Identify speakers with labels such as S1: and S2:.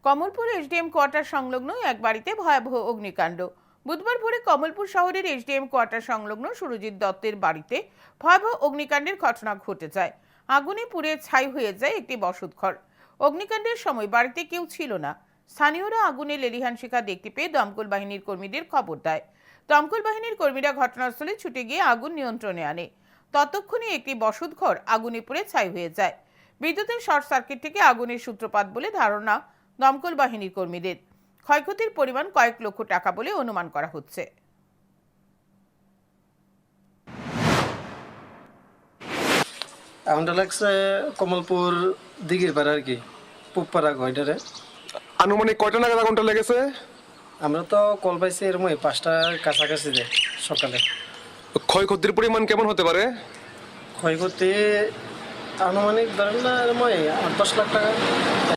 S1: Kamalpur SDM quarter সংলগ্ন এক বাড়িতে ভয়াবহ অগ্নিকাণ্ড। বুধবার ভোরে কমলপুর শহরের এসডিএম কোয়ার্টার সংলগ্ন সুরজিৎ দত্তের বাড়িতে ভয়াবহ অগ্নিকাণ্ডের ঘটনা ঘটে যায়। আগুনে পুড়ে ছাই হয়ে যায় একটি বসতঘর। অগ্নিকাণ্ডের সময় বাড়িতে কেউ ছিল না। স্থানীয়রা আগুনে লেলিহান শিখা দেখতে পেয়ে দমকল বাহিনীর কর্মীদের খবর দেয়। দমকল বাহিনীর কর্মীরা ঘটনাস্থলে ছুটে গিয়ে আগুন নিয়ন্ত্রণে আনে। ততক্ষণে একটি বসতঘর আগুনে পুড়ে ছাই হয়ে যায়। বিদ্যুতের শর্ট সার্কিট থেকে আগুনের সূত্রপাত বলে ধারণা দমকল বাহিনীর কর্মীদের। ক্ষয়ক্ষতির পরিমাণ কয়েক লক্ষ টাকা বলে অনুমান করা হচ্ছে।
S2: আগুনটা লাগছে কমলপুর দিঘির পাড়া আর কি, পুবপাড়া ঘয়টারে।
S3: আনুমানিক কয়টা নাগাদ আগুনটা লেগেছে?
S2: আমরা তো কল পাইছি এর মধ্যে 5টার কাছাকাছি যে সকালে।
S3: ক্ষয়ক্ষতির পরিমাণ কেমন হতে পারে?
S2: ক্ষয়ক্ষতি আনুমানিক ধরেন না এর মধ্যে 8-10 লাখ টাকা